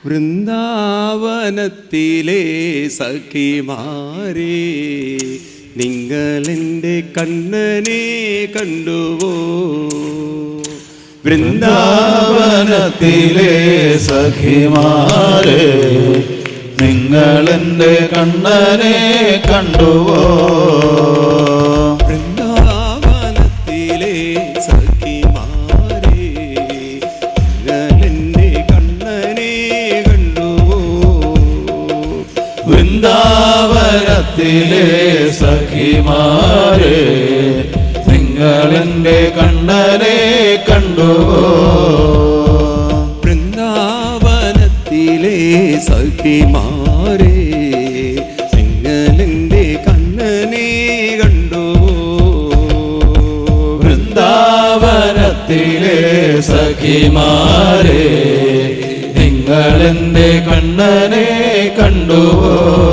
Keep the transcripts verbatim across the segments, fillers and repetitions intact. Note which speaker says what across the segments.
Speaker 1: വൃന്ദാവനത്തിലെ സഖിമാരേ, നിങ്ങളെൻ്റെ കണ്ണനെ കണ്ടുവോ?
Speaker 2: വൃന്ദാവനത്തിലെ സഖിമാരേ, നിങ്ങളെൻ്റെ കണ്ണനെ കണ്ടുവോ?
Speaker 1: വൃന്ദാവനത്തിലെ സഖിമാരേ, നിങ്ങളെൻ്റെ കണ്ണനെ കണ്ടുവോ?
Speaker 2: വൃന്ദാവനത്തിലെ സഖിമാരേ, നിങ്ങളെൻ്റെ കണ്ണനെ കണ്ടുവോ?
Speaker 1: വൃന്ദാവനത്തിലെ സഖിമാരേ, നിങ്ങളെൻ്റെ കണ്ണനെ കണ്ടുവോ?
Speaker 2: വൃന്ദാവനത്തിലെ സഖിമാരേ, നിങ്ങളെൻ്റെ കണ്ണനെ കണ്ടുവോ?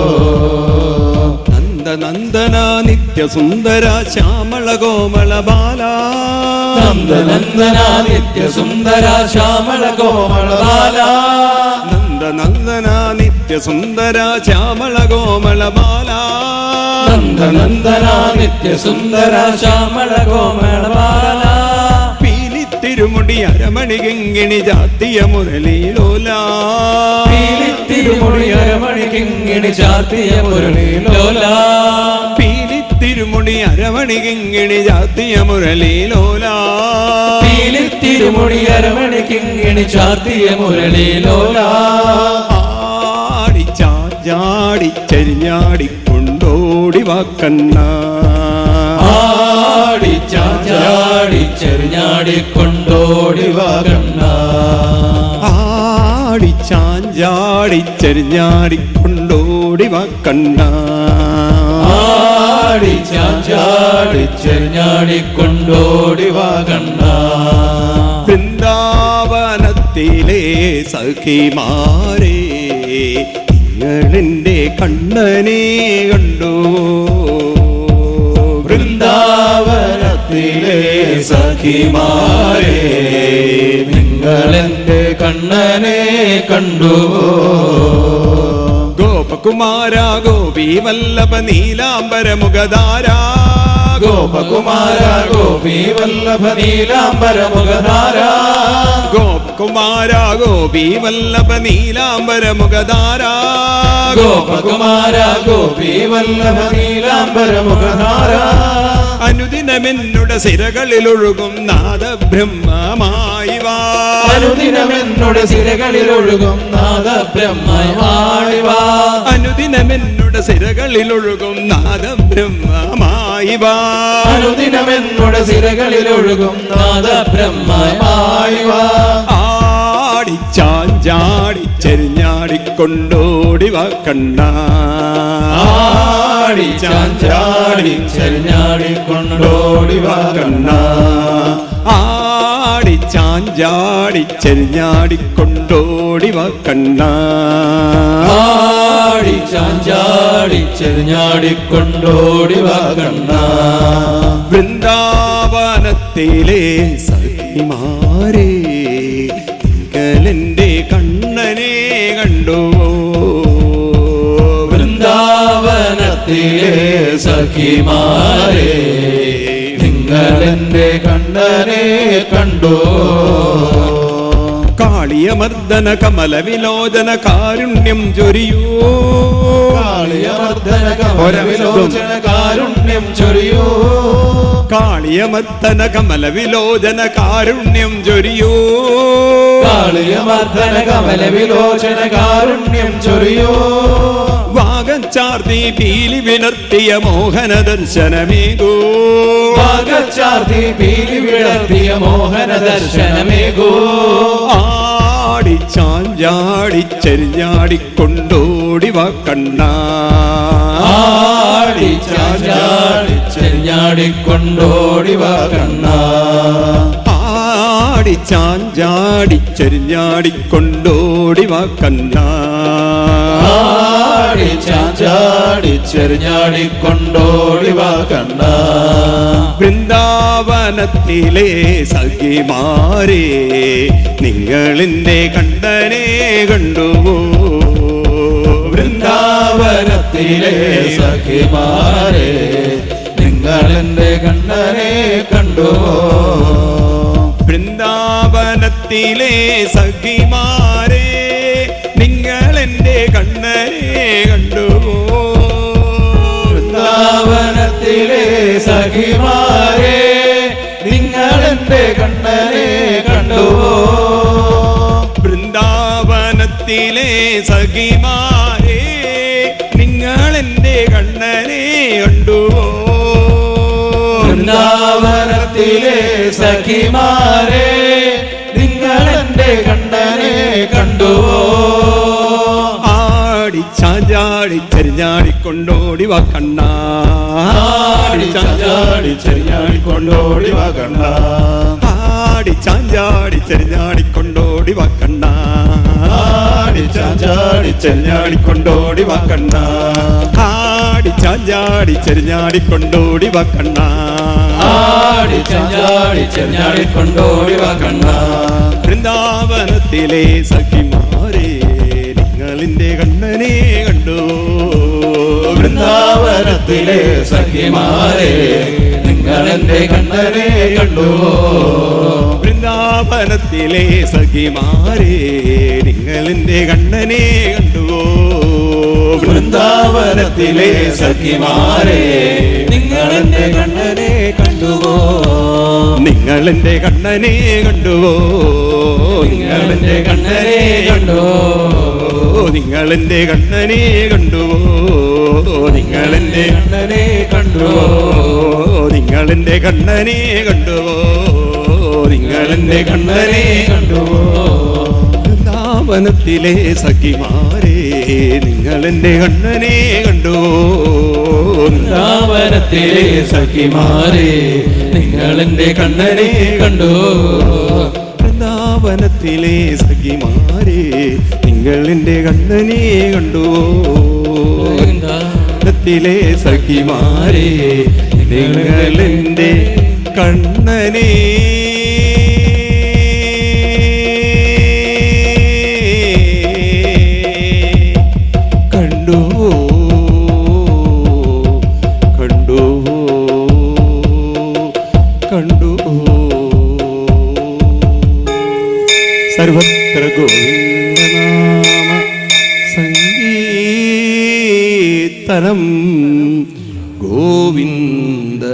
Speaker 1: നന്ദനന്ദന നിത്യസുന്ദര ശ്യാമള കോമള ബാല,
Speaker 2: നന്ദനന്ദന നിത്യസുന്ദര ശ്യാമള കോമള ബാല,
Speaker 1: നന്ദനന്ദന നിത്യസുന്ദര ശ്യാമള കോമള ബാല,
Speaker 2: നന്ദനന്ദന നിത്യസുന്ദര ശ്യാമള കോമള ബാല.
Speaker 1: പീലിത്തിരുമുടി അരമണി കിങ്ങിണി ജാത്തിയ മുരളീലോല,
Speaker 2: പീലിത്തിരുമുടി അരമണി കിങ്ങിണി ചാത്തിയ മുരളീലോല,
Speaker 1: പീലിത്തിരുമുടി അരമണി കിങ്ങിണി ജാത്തിയ മുരളീലോല,
Speaker 2: പീലിത്തിരുമുടി അരമണി കിങ്ങിണി ചാത്തിയ മുരളീലോല.
Speaker 1: ആടിച്ചാടിച്ചരിഞ്ഞാടിക്കൊണ്ടോടി വാക്കണ്ണ,
Speaker 2: ആടിച്ചാടിച്ചെറിഞ്ഞാടിക്കൊണ്ടോടി വാകണ്ണ,
Speaker 1: ആടിച്ചാഞ്ചാടിച്ചരിഞ്ഞാടിക്കൊണ്ടോടി വാക്കണ്ണ,
Speaker 2: ആടിച്ചാടിച്ചെറിഞ്ഞാടിക്കൊണ്ടോടി വാകണ്ണ.
Speaker 1: വൃന്ദാവനത്തിലെ സഖിമാരേ, നിങ്ങളെൻ്റെ കണ്ണനെ കണ്ടുവോ?
Speaker 2: വൃന്ദാവനത്തിലെ സഖിമാരേ, നിങ്ങളെൻ്റെ കണ്ണനെ കണ്ടുവോ?
Speaker 1: ഗോപകുമാര ഗോപി വല്ലഭ നീലാംബര മുഖധാര,
Speaker 2: ഗോപകുമാര ഗോപി വല്ലഭ നീലാംബര മുഖധാര,
Speaker 1: ഗോപകുമാര ഗോപി വല്ലഭ നീലാംബര മുഖധാര,
Speaker 2: ഗോപകുമാര ഗോപി വല്ലഭ നീലാംബര മുഖധാര.
Speaker 1: അനുദിനമെന്നുടെ സിരകളിലൊഴുകും നാദബ്രഹ്മമായി വാ,
Speaker 2: അനുദിനമെന്നുടെ സിരകളിലൊഴുകും നാദബ്രഹ്മമായി വാ,
Speaker 1: അനുദിനമെന്നുടെ സിരകളിലൊഴുകും നാദബ്രഹ്മമായി വാ,
Speaker 2: അനുദിനമെന്നുടെ സിരകളിലൊഴുകും നാദബ്രഹ്മമായി വാ.
Speaker 1: ആടിച്ചാഞ്ചാടിച്ചെരിഞ്ഞാടിക്കൊണ്ടോടി വാക്കണ്ണ,
Speaker 2: ആടിച്ചാഞ്ചാടിച്ചെരിഞ്ഞാടിക്കൊണ്ടോടി വാകണ്ണ,
Speaker 1: ആടിച്ചാഞ്ചാടിച്ചെരിഞ്ഞാടിക്കൊണ്ടോടി വാക്കണ്ണ,
Speaker 2: ആടിച്ചാഞ്ചാടിച്ചെരിഞ്ഞാടിക്കൊണ്ടോടി വാകണ്ണ.
Speaker 1: വൃന്ദാവനത്തിലെ സഖിമാരേ, നിങ്ങളെൻ്റെ കണ്ണനെ കണ്ടുവോ?
Speaker 2: വൃന്ദാവനത്തിലെ സഖിമാരേ, നിങ്ങളെൻ്റെ കണ്ണനെ കണ്ടുവോ?
Speaker 1: കാളിയമർദ്ദന കമല വിലോചന കാരുണ്യം ചൊരിയൂ,
Speaker 2: കാളിയമർദ്ദന കമല വിലോചന കാരുണ്യം ചൊരിയൂ,
Speaker 1: കാളിയമർദ്ദന കമല വിലോചന കാരുണ്യം ചൊരിയൂ,
Speaker 2: കാളിയമർദ്ദന കമല വിലോചന കാരുണ്യം ചൊരിയൂ.
Speaker 1: വാഗച്ചാർത്തി പീലി വിടർത്തിയ മോഹന ദർശനമേകൂ,
Speaker 2: വാഗച്ചാർത്തി പീലി വിടർത്തിയ മോഹന ദർശനമേകൂ.
Speaker 1: ആടിച്ചാഞ്ചാടിച്ചെരിഞ്ഞാടിക്കൊണ്ടോടി വാക്കണ്ണ,
Speaker 2: ആടിച്ചാഞ്ചാടിച്ചെരിഞ്ഞാടിക്കൊണ്ടോടി വാകണ്ണ,
Speaker 1: ആടിച്ചാഞ്ചാടിച്ചെരിഞ്ഞാടിക്കൊണ്ടോടി വാക്കണ്ണ,
Speaker 2: ആടി ചാഞ്ചാടിച്ചെറിഞ്ഞാടിക്കൊണ്ടോടിവാ കണ്ണ.
Speaker 1: വൃന്ദാവനത്തിലെ സഖിമാരെ നിങ്ങളെന്റെ കണ്ണനെ കണ്ടുവോ?
Speaker 2: വൃന്ദാവനത്തിലെ സഖിമാരെ നിങ്ങളെന്റെ കണ്ണനെ കണ്ടുവോ?
Speaker 1: വൃന്ദാവനത്തിലെ സഖിമാരെ നിങ്ങളെന്റെ കണ്ണനെ കണ്ടുവോ?
Speaker 2: വൃന്ദാവനത്തിലെ സഖിമാരെ നിങ്ങളെന്റെ കണ്ണനെ കണ്ടുവോ?
Speaker 1: വൃന്ദാവനത്തിലെ സഖിമാരെ നിങ്ങളെന്റെ കണ്ണനെ കണ്ടുവോ?
Speaker 2: വൃന്ദാവനത്തിലെ സഖിമാരെ നിങ്ങളെന്റെ കണ്ണനെ കണ്ടുവോ?
Speaker 1: ആടി ചാഞ്ചാടി ചെറിഞ്ഞാടിക്കൊണ്ടോടി വാ കണ്ണ.
Speaker 2: ആടി ചാഞ്ചാടി ചെറിഞ്ഞാടിക്കൊണ്ടോടി വാ കണ്ണ.
Speaker 1: ആടി ചാഞ്ചാടി ചെറിഞ്ഞാടിക്കൊണ്ടോടി വാ കണ്ണ.
Speaker 2: ആടി ചാഞ്ചാടി ചെറിഞ്ഞാടിക്കൊണ്ടോടി വാ കണ്ണ.
Speaker 1: ആടി ചാഞ്ചാടി ചെറിഞ്ഞാടിക്കൊണ്ടോടി വാ കണ്ണ.
Speaker 2: ആടി ചാഞ്ചാടി ചെറിഞ്ഞാടിക്കൊണ്ടോടി വാ കണ്ണ.
Speaker 1: വൃന്ദാവനത്തിലെ സഖിമാരെ നിങ്ങളെന്റെ കണ്ണനെ കണ്ടുവോ?
Speaker 2: വൃന്ദാവനത്തിലെ സഖിമാരെ നിങ്ങളെന്റെ കണ്ണനെ കണ്ടുവോ?
Speaker 1: വൃന്ദാവനത്തിലെ സഖിമാരെ നിങ്ങളെന്റെ കണ്ണനെ കണ്ടുവോ?
Speaker 2: വൃന്ദാവനത്തിലെ സഖിമാരെ നിങ്ങളെന്റെ കണ്ണനെ കണ്ടുവോ?
Speaker 1: നിങ്ങളെന്റെ കണ്ണനെ കണ്ടുവോ?
Speaker 2: നിങ്ങളെന്റെ കണ്ണനെ കണ്ടുവോ?
Speaker 1: നിങ്ങളെന്റെ കണ്ണനെ കണ്ടുവോ? നിങ്ങളെന്റെ
Speaker 2: കണ്ണനെ കണ്ടുവോ?
Speaker 1: നിങ്ങളെന്റെ കണ്ണനെ കണ്ടുവോ? നിങ്ങളെന്റെ കണ്ണനെ
Speaker 2: കണ്ടുവോ?
Speaker 1: വൃന്ദാവനത്തിലെ സഖിമാരെ നിങ്ങളെന്റെ കണ്ണനെ കണ്ടുവോ?
Speaker 2: വൃന്ദാവനത്തിലെ സഖിമാരെ നിങ്ങളെന്റെ കണ്ണനെ കണ്ടുവോ?
Speaker 1: വൃന്ദാവനത്തിലെ സഖിമാരെ നിങ്ങളെന്റെ കണ്ണനെ കണ്ടുവോ? വൃന്ദാവനത്തിലെ സഖിമാരെ നിങ്ങളെന്റെ കണ്ണനെ കണ്ടുവോ? കണ്ടുവോ? കണ്ടുവോ? സർവത്ര ഗോവിന്ദനാമ സംഗീതനം ഗോവിന്ദ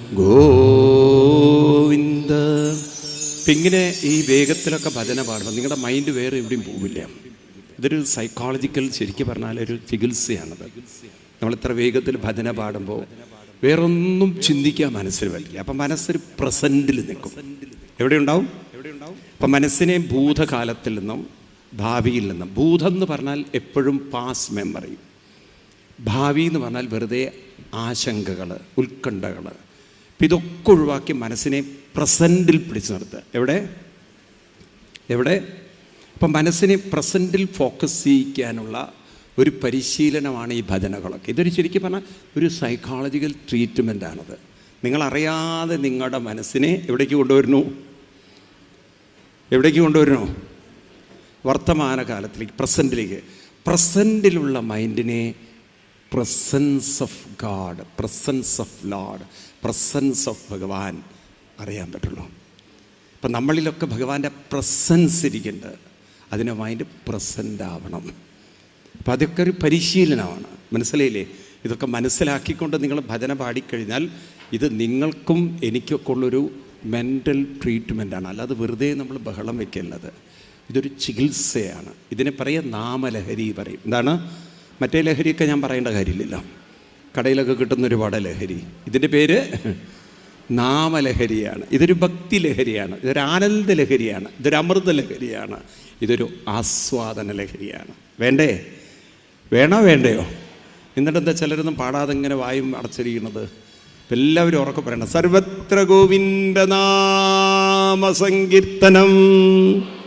Speaker 1: ഗോവിന്ദ. ഇങ്ങനെ ഈ വേഗത്തിലൊക്കെ ഭജന പാടുമ്പോൾ നിങ്ങളുടെ മൈൻഡ് വേറെ എവിടെയും പോവില്ല. ഇതൊരു സൈക്കോളജിക്കൽ, ശരിക്കും പറഞ്ഞാൽ ഒരു ചികിത്സയാണത്. നമ്മളിത്ര വേഗത്തിൽ ഭജന പാടുമ്പോൾ വേറൊന്നും ചിന്തിക്കാൻ മനസ്സിൽ പറ്റില്ല. അപ്പം മനസ്സൊരു പ്രസൻറ്റിൽ നിൽക്കും. എവിടെയുണ്ടാവും? അപ്പം മനസ്സിനെ ഭൂതകാലത്തിൽ നിന്നും ഭാവിയിൽ നിന്നും, ഭൂതം എന്ന് പറഞ്ഞാൽ എപ്പോഴും പാസ് മെമ്മറി, ഭാവി എന്ന് പറഞ്ഞാൽ വെറുതെ ആശങ്കകൾ, ഉത്കണ്ഠകൾ. അപ്പം ഇതൊക്കെ ഒഴിവാക്കി മനസ്സിനെ പ്രസൻറ്റിൽ പിടിച്ചു നിർത്തുക. എവിടെ എവിടെ അപ്പം മനസ്സിനെ പ്രസൻറ്റിൽ ഫോക്കസ് ചെയ്യിക്കാനുള്ള ഒരു പരിശീലനമാണ് ഈ ഭജനകളൊക്കെ. ഇതൊരു ശരിക്കും പറഞ്ഞാൽ ഒരു സൈക്കോളജിക്കൽ ട്രീറ്റ്മെൻറ്റാണത്. നിങ്ങളറിയാതെ നിങ്ങളുടെ മനസ്സിനെ എവിടേക്ക് കൊണ്ടുവരുന്നു? എവിടേക്ക് കൊണ്ടുവരുന്നു? വർത്തമാനകാലത്തിലേക്ക്, പ്രസൻറ്റിലേക്ക്. പ്രസൻറ്റിലുള്ള മൈൻഡിനെ presence of god, presence of lord, presence of Bhagavan അറിയാൻ പറ്റുള്ളൂ. അപ്പം നമ്മളിലൊക്കെ ഭഗവാന്റെ പ്രസൻസ് ഇരിക്കുന്നുണ്ട്. അതിന് മൈൻഡ് പ്രസൻ്റ് ആവണം. അപ്പം അതൊക്കെ ഒരു പരിശീലനമാണ്. മനസ്സിലായില്ലേ? ഇതൊക്കെ മനസ്സിലാക്കിക്കൊണ്ട് നിങ്ങൾ ഭജന പാടിക്കഴിഞ്ഞാൽ ഇത് നിങ്ങൾക്കും എനിക്കൊക്കെ ഉള്ളൊരു മെൻ്റൽ ട്രീറ്റ്മെൻറ്റാണ്. അല്ലാതെ വെറുതെ നമ്മൾ ബഹളം വയ്ക്കുന്നത്. ഇതൊരു ചികിത്സയാണ്. ഇതിനെ പറയുക നാമലഹരി പറയും. എന്താണ്? മറ്റേ ലഹരിയൊക്കെ ഞാൻ പറയേണ്ട കാര്യമില്ലല്ലോ. കടയിലൊക്കെ കിട്ടുന്ന ഒരുപാട് ലഹരി. ഇതിൻ്റെ പേര് നാമലഹരിയാണ്. ഇതൊരു ഭക്തി ലഹരിയാണ്. ഇതൊരു ആനന്ദ ലഹരിയാണ്. ഇതൊരു അമൃത ലഹരിയാണ്. ഇതൊരു ആസ്വാദന ലഹരിയാണ്. വേണ്ടേ? വേണോ വേണ്ടയോ? എന്നിട്ട് എന്താ ചിലരൊന്നും പാടാതെ ഇങ്ങനെ വായും അടച്ചിരിക്കുന്നത്? എല്ലാവരും ഉറക്കെ പറയണം. സർവത്ര ഗോവിന്ദനാമ സങ്കീർത്തനം.